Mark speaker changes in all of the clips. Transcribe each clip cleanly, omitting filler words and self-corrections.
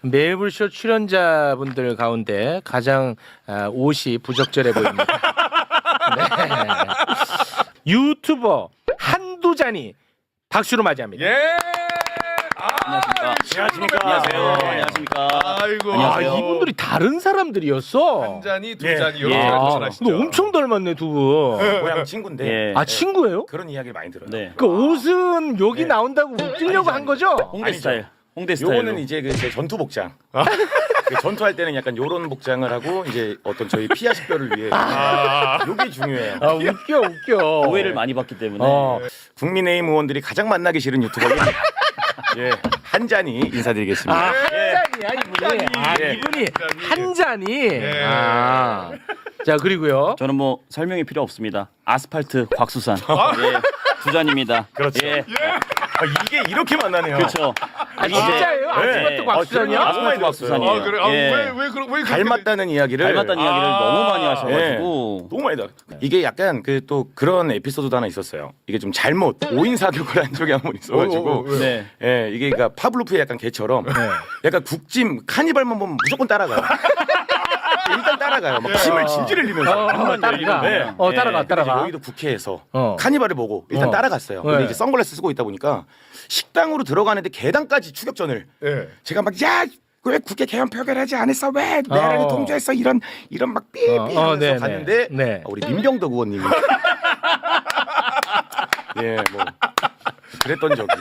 Speaker 1: 매불쇼 출연자분들 가운데 가장 옷이 부적절해 보입니다. 네. 유튜버 한두잔이 박수로 맞이합니다.
Speaker 2: 예.
Speaker 3: 안녕하십니까. 안녕하세요. 안녕하십니까.
Speaker 2: 아이고.
Speaker 1: 아, 이분들이 다른 사람들이었어.
Speaker 2: 한 잔이 두
Speaker 3: 예.
Speaker 2: 잔이 이렇게
Speaker 3: 예.
Speaker 2: 말씀하시죠.
Speaker 1: 근데 엄청 닮았네 두 분.
Speaker 3: 고향 친구인데
Speaker 4: 예.
Speaker 1: 아 친구예요?
Speaker 3: 그런 이야기를 많이 들어요.
Speaker 4: 네.
Speaker 1: 그 옷은 여기
Speaker 3: 네.
Speaker 1: 나온다고 웃기려고 한 거죠?
Speaker 4: 홍대
Speaker 3: 아니죠.
Speaker 4: 스타일. 홍대 스타일.
Speaker 3: 요거는 이제 그 제 전투 복장. 그 전투할 때는 약간 요런 복장을 하고 이제 어떤 저희 피아 식별을 위해 요게 중요해요.
Speaker 1: 아 웃겨.
Speaker 4: 오해를 많이 받기 때문에.
Speaker 3: 국민의힘 의원들이 가장 만나기 싫은 유튜버는 예, 한 잔이 인사드리겠습니다.
Speaker 1: 아, 한 잔이야, 이분이. 아,
Speaker 3: 예.
Speaker 1: 이분이 한 잔이.
Speaker 2: 예.
Speaker 1: 아. 자, 그리고요.
Speaker 4: 저는 뭐 설명이 필요 없습니다. 아스팔트 곽수산. 예. 두 잔입니다.
Speaker 3: 그렇죠.
Speaker 4: 예.
Speaker 3: 이게 이렇게 만나네요.
Speaker 4: 그렇죠.
Speaker 1: 아, 진짜예요? 아스팔트
Speaker 3: 네.
Speaker 1: 곽수산이요?
Speaker 3: 아,
Speaker 4: 아스팔트 곽수산이에요.
Speaker 2: 아 그래. 아,
Speaker 4: 예.
Speaker 2: 왜 그렇게
Speaker 3: 닮았다는 이야기를
Speaker 4: 닮았다는 이야기를 너무 많이
Speaker 3: 예.
Speaker 4: 하셔가지고.
Speaker 3: 너무 많이 닮. 이게 약간 그 또 그런 에피소드도 하나 있었어요. 이게 좀 잘못 오인 사격을 한 적이 한 번 있어가지고.
Speaker 4: 네.
Speaker 3: 예, 이게 그러니까 파블로프의 약간 개처럼 약간 국짐 카니발만 보면 무조건 따라가요. 일단 따라가요. 막 침을 질질 흘리면서.
Speaker 1: 따라가.
Speaker 3: 네.
Speaker 1: 따라가.
Speaker 3: 여기도 국회에서
Speaker 1: 어.
Speaker 3: 카니발을 보고 일단 따라갔어요. 근데
Speaker 1: 네.
Speaker 3: 이제 선글라스 쓰고 있다 보니까 식당으로 들어가는데 계단까지 추격전을
Speaker 2: 예.
Speaker 3: 제가 막 야 왜 국회 개헌 표결하지 않았어 왜 내란이 통제했어 이런 막 삐삐 하면서
Speaker 1: 네네.
Speaker 3: 갔는데
Speaker 1: 네.
Speaker 3: 우리 민병덕 의원님이 예 뭐 그랬던 적이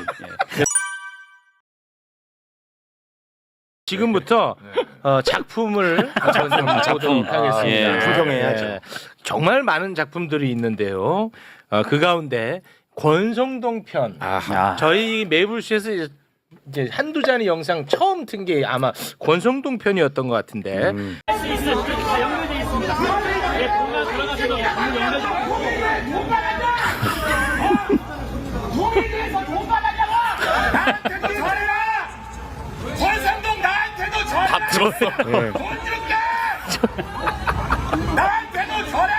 Speaker 1: 지금부터 작품을 보도록 하겠습니다.
Speaker 4: 예.
Speaker 3: 불평해야죠.
Speaker 1: 정말 많은 작품들이 있는데요. 그 가운데 권성동 편.
Speaker 3: 아하
Speaker 1: 저희 매불쇼에서 이제 한두 잔의 영상 처음 튼 게 아마 권성동 편이었던 것 같은데.
Speaker 5: 국민에서 돈 받았냐고! 나한테도 잘해라! 권상동 나한테도 잘해!
Speaker 4: 다 들었어.
Speaker 5: 돈 줄게! 나한테도 잘해!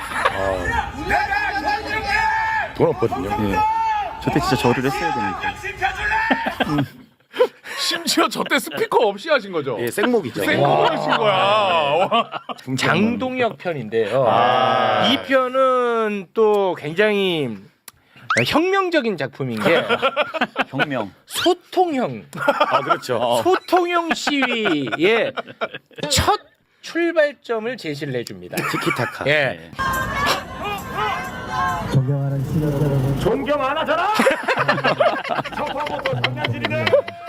Speaker 5: 내가 돈 줄게!
Speaker 3: 돈 없거든요.
Speaker 4: 저때 진짜 저를 했어야 되는데.
Speaker 5: 씹혀줄래?
Speaker 2: 심지어 저때 스피커 없이 하신 거죠?
Speaker 3: 예 생목이죠.
Speaker 2: 생각을 하신 거야. 와.
Speaker 1: 장동혁 편인데요. 이 편은 또 굉장히 혁명적인 작품인 게
Speaker 4: 혁명.
Speaker 1: 소통형
Speaker 3: 아 그렇죠.
Speaker 1: 소통형 시위의 첫 출발점을 제시를 해줍니다.
Speaker 3: 티키타카.
Speaker 1: 예.
Speaker 6: 존경하는 시청자 여러분,
Speaker 3: 존경 안 하잖아.
Speaker 5: 첫판부터 장난질이네!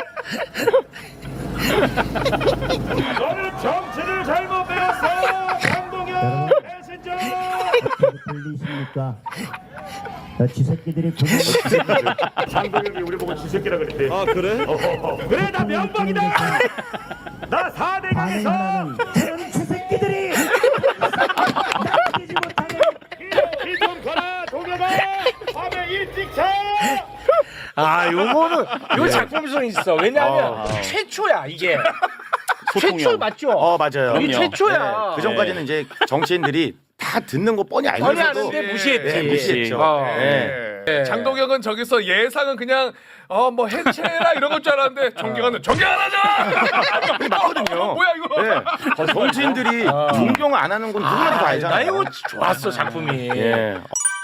Speaker 5: 너는 정치를 잘못 배웠어! 강동현 배신자!
Speaker 6: 들리십니까? 쥐새끼들이
Speaker 5: 장동현이 우리 보고 쥐새끼라 그랬대.
Speaker 4: 아 그래?
Speaker 5: 그래 나 명방이다! 나 4대강에서
Speaker 6: 반응하는 저런 쥐새끼들이 남기지 못하게
Speaker 5: 이좀 가라 동현아! 밤에 일찍 자!
Speaker 1: 아, 요거는 요 작품성 있어. 왜냐하면 최초야 이게.
Speaker 4: 소통형.
Speaker 1: 최초 맞죠?
Speaker 3: 맞아요.
Speaker 1: 이게
Speaker 4: 그럼요.
Speaker 1: 최초야.
Speaker 3: 그 전까지는 이제 정치인들이 다 듣는 거 뻔히
Speaker 1: 뻔히
Speaker 3: 알면서도
Speaker 1: 아는데 무시했지.
Speaker 3: 네, 무시했죠.
Speaker 1: 네.
Speaker 2: 장동혁은 저기서 예상은 그냥 뭐 해체라 이런 걸 줄 알았는데 존경하는 존경 안 하자.
Speaker 3: 맞거든요.
Speaker 2: 뭐야 이거?
Speaker 3: 네. 정치인들이 존경 안 하는 건 누구나도 다
Speaker 1: 나
Speaker 3: 알잖아요.
Speaker 1: 이거 좋았어 작품이.
Speaker 3: 예.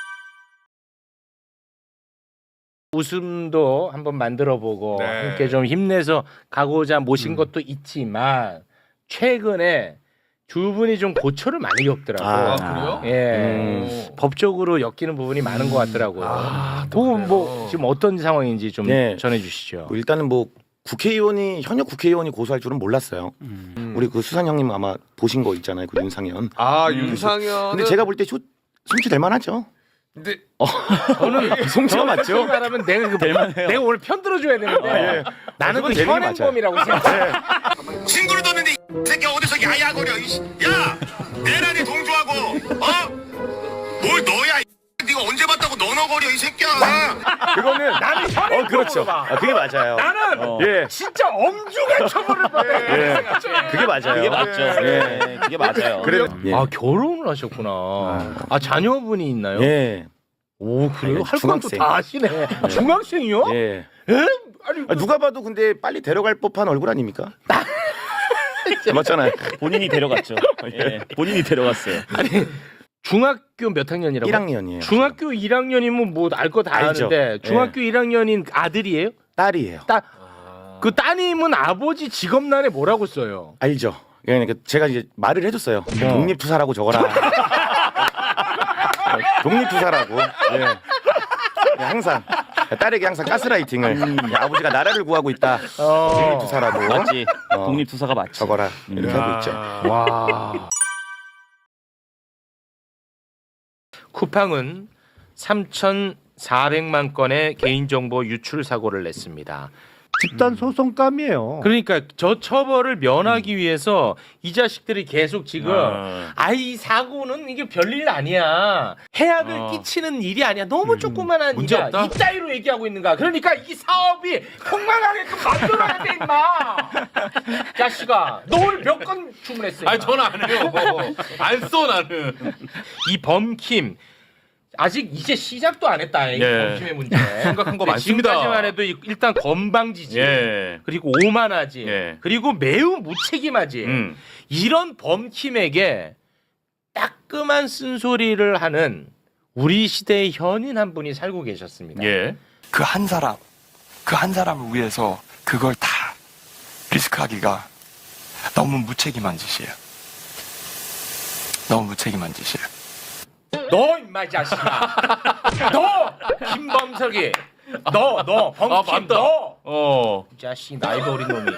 Speaker 1: 웃음도 한번 만들어보고
Speaker 2: 네.
Speaker 1: 함께 좀 힘내서 가고자 모신 것도 있지만 최근에 두 분이 좀 고초를 많이 겪더라고.
Speaker 3: 아,
Speaker 2: 그래요?
Speaker 1: 예. 법적으로 엮이는 부분이 많은 것 같더라고요.
Speaker 2: 또
Speaker 1: 그건
Speaker 2: 그래요?
Speaker 1: 뭐 지금 어떤 상황인지 좀
Speaker 3: 네.
Speaker 1: 전해주시죠.
Speaker 3: 뭐 일단은 뭐 현역 국회의원이 고소할 줄은 몰랐어요. 우리 그 수산 형님 아마 보신 거 있잖아요. 그 윤상현.
Speaker 2: 윤상현.
Speaker 3: 근데 제가 볼 때 송치될 만하죠.
Speaker 2: 근데
Speaker 1: 저는
Speaker 3: 송치가 맞죠?
Speaker 1: 말하면 내가 오늘 편 들어줘야 되는데 나는 그
Speaker 3: 그건 재능이
Speaker 1: 현행범이라고 생각해.
Speaker 5: 친구를 뒀는데 이 새끼 어디서 야야거려 야! 내란이 동조하고 뭘 너야 이 네가 언제 봤다고 너너거려 이 새끼야!
Speaker 3: 그거는
Speaker 1: 나는 현행범으로
Speaker 3: 그렇죠.
Speaker 1: 봐.
Speaker 3: 그게 맞아요.
Speaker 1: 나는
Speaker 3: 예.
Speaker 1: 진짜 엄중한 처벌을 받아야 돼.
Speaker 3: 그게 맞아요.
Speaker 4: 그게 맞죠. 예. 그게 맞아요.
Speaker 3: 그래. 예.
Speaker 1: 아 결혼을 하셨구나. 아 자녀분이 있나요?
Speaker 3: 예.
Speaker 1: 오 그래요?
Speaker 3: 아니,
Speaker 1: 할 것도
Speaker 3: 중학생.
Speaker 1: 다 아시네. 중학생이요?
Speaker 3: 예.
Speaker 1: 에? 아니
Speaker 3: 누가 봐도 근데 빨리 데려갈 법한 얼굴 아닙니까? 맞잖아요.
Speaker 4: 본인이 데려갔죠. 예, 본인이 데려갔어요.
Speaker 1: 중학교 몇 학년이라고?
Speaker 3: 1학년이에요.
Speaker 1: 중학교 1학년이면 뭐 알 거 다
Speaker 3: 알죠.
Speaker 1: 아는데 중학교 1학년인 아들이에요?
Speaker 3: 딸이에요.
Speaker 1: 그 따님은 아버지 직업란에 뭐라고 써요?
Speaker 3: 알죠. 그러니까 제가 이제 말을 해줬어요. 독립투사라고 적어라. 독립투사라고. 예. 항상 딸에게 항상 가스라이팅을 아버지가 나라를 구하고 있다. 독립투사라고
Speaker 4: 맞지. 독립투사가 맞지.
Speaker 3: 적어라. 이렇게 하고 있죠.
Speaker 1: 와. 쿠팡은 3,400만 건의 개인정보 유출 사고를 냈습니다.
Speaker 7: 집단 소송감이에요.
Speaker 1: 그러니까 저 처벌을 면하기 위해서 이 자식들이 계속 지금 아이 사고는 이게 별일 아니야. 해악을 끼치는 일이 아니야. 너무 조그만한
Speaker 2: 문제
Speaker 1: 일이야.
Speaker 2: 없다?
Speaker 1: 이따위로 얘기하고 있는가. 그러니까 이 사업이 폭망하게끔 만들어야 돼 임마. 자식아 너 오늘 몇 건 주문했어?
Speaker 2: 아니
Speaker 1: 임마?
Speaker 2: 저는 안 해요. 안 써 나는.
Speaker 1: 이 범킴 아직 이제 시작도 안 했다. 이
Speaker 2: 예.
Speaker 1: 범킴의 문제.
Speaker 2: 심각한 거 많습니다.
Speaker 1: 지금까지만 해도 일단 건방지지.
Speaker 2: 예.
Speaker 1: 그리고 오만하지.
Speaker 2: 예.
Speaker 1: 그리고 매우 무책임하지. 이런 범킴에게 따끔한 쓴소리를 하는 우리 시대의 현인 한 분이 살고 계셨습니다.
Speaker 2: 예.
Speaker 8: 그 한 사람을 위해서 그걸 다 리스크하기가 너무 무책임한 짓이에요. 너무 무책임한 짓이에요.
Speaker 1: 너 임마 이 자식아. 너 김범석이. 너 범킴
Speaker 2: 맞다.
Speaker 1: 너. 이 자식 나이도 어린 놈이.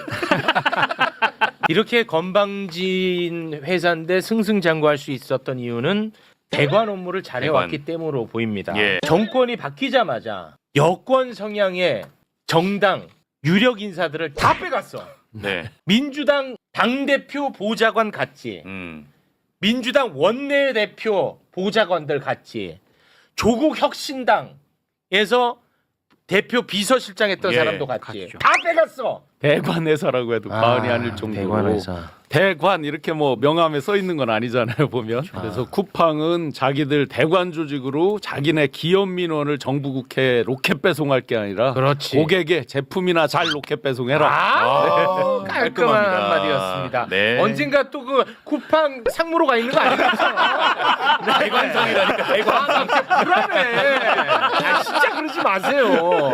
Speaker 1: 이렇게 건방진 회사인데 승승장구할 수 있었던 이유는 대관 업무를 잘해왔기 때문으로 보입니다.
Speaker 2: 예.
Speaker 1: 정권이 바뀌자마자 여권 성향의 정당 유력 인사들을 다 빼갔어.
Speaker 2: 네.
Speaker 1: 민주당 당대표 보좌관 갔지. 민주당 원내대표 보좌관들 갔지. 조국 혁신당에서 대표 비서실장 했던
Speaker 2: 예,
Speaker 1: 사람도 갔지.
Speaker 7: 갔죠.
Speaker 1: 다 빼갔어.
Speaker 7: 대관회사라고 해도 과언이 아닐 정도로 대관 이렇게 뭐 명함에 써 있는 건 아니잖아요 보면. 그래서 쿠팡은 자기들 대관 조직으로 자기네 기업 민원을 정부 국회에 로켓 배송할 게 아니라
Speaker 1: 그렇지.
Speaker 7: 고객의 제품이나 잘 로켓 배송해라.
Speaker 1: 깔끔한
Speaker 2: 깔끔합니다.
Speaker 1: 한마디였습니다.
Speaker 2: 네.
Speaker 1: 언젠가 또 그 쿠팡 상무로 가 있는 거 아니겠죠?
Speaker 2: 대관성이라니까 대관성.
Speaker 1: 불안해. 아, 진짜 그러지 마세요.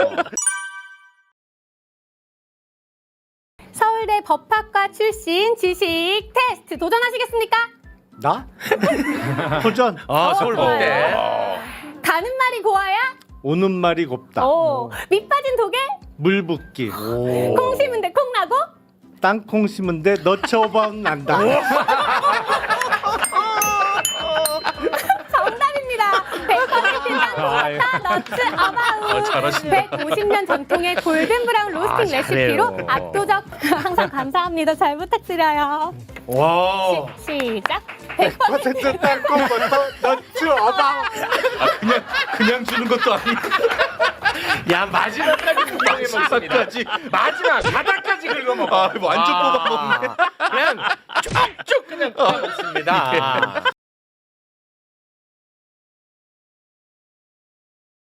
Speaker 9: 서울대 법학과 출신 지식 테스트 도전하시겠습니까?
Speaker 7: 나? 도전.
Speaker 1: 서울대.
Speaker 9: 가는 말이 고와야?
Speaker 7: 오는 말이 곱다.
Speaker 9: 오. 밑 빠진 독에?
Speaker 7: 물 붓기.
Speaker 9: 콩 심은데 콩 나고?
Speaker 7: 땅콩 심은데 너처방 난다.
Speaker 9: 정답입니다. 100% 땅콩 너츠 아바우.
Speaker 2: 잘하신다.
Speaker 9: 150년 전통의 골든 브라운 로스팅 레시피로
Speaker 1: 잘해요.
Speaker 9: 압도적. 항상 감사합니다. 잘 부탁드려요.
Speaker 1: 와.
Speaker 9: 시작. 100%
Speaker 7: 땅콩부터 너츠 아바우.
Speaker 2: 그냥 주는 것도 아니고.
Speaker 1: 야 마지막까지 구경해 먹습니다. 마지막 바닥까지 긁어먹어.
Speaker 2: 완전 뽑아먹네.
Speaker 1: 그냥 쭉쭉 그냥 뽑아먹습니다.